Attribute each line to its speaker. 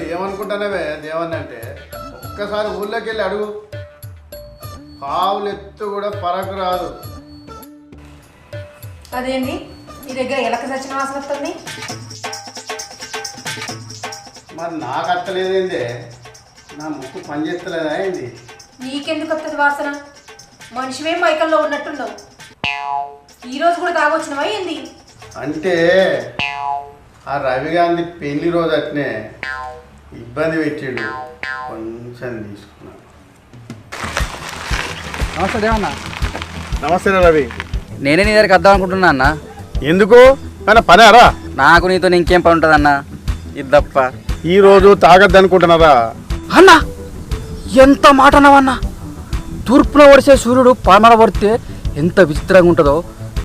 Speaker 1: ఏమనుకుంటానవే దేవన్న అంటే ఒక్కసారి ఊళ్ళోకి వెళ్ళి అడుగు. ఆవులు ఎత్తు కూడా పరకు రాదు.
Speaker 2: అదేంటి మీ దగ్గర ఎలక సచిన వాసన వస్తుంది?
Speaker 1: మరి నాకు అత్తలేదేంది? నా ముక్కు పనిచేస్తలేదా ఏంది?
Speaker 2: నీకెందుకు వస్తుంది వాసన? మనిషివే మైకల్లో ఉన్నట్టున్నావు. ఈరోజు కూడా తాగొచ్చినవా ఏంది?
Speaker 1: అంటే ఆ రవి గాంధీ పెళ్లి రోజు అట్నే ఇబ్బంది పెట్టాడు, కొంచెం తీసుకున్నాను.
Speaker 3: నమస్తే దేవన్న.
Speaker 1: నమస్తే రవి.
Speaker 3: నేనే నీ దగ్గరికి వద్దాం అనుకుంటున్నా అన్న.
Speaker 1: ఎందుకు? కానీ పనారా?
Speaker 3: నాకు నీతో ఇంకేం పని ఉంటుంది అన్న, ఇది తప్ప.
Speaker 1: ఈరోజు తాగద్దు అనుకుంటున్నారా
Speaker 3: అన్న? ఎంత మాట అన్నావన్నా? తూర్పున పడిసే సూర్యుడు పామర పడితే ఎంత విచిత్రంగా ఉంటుందో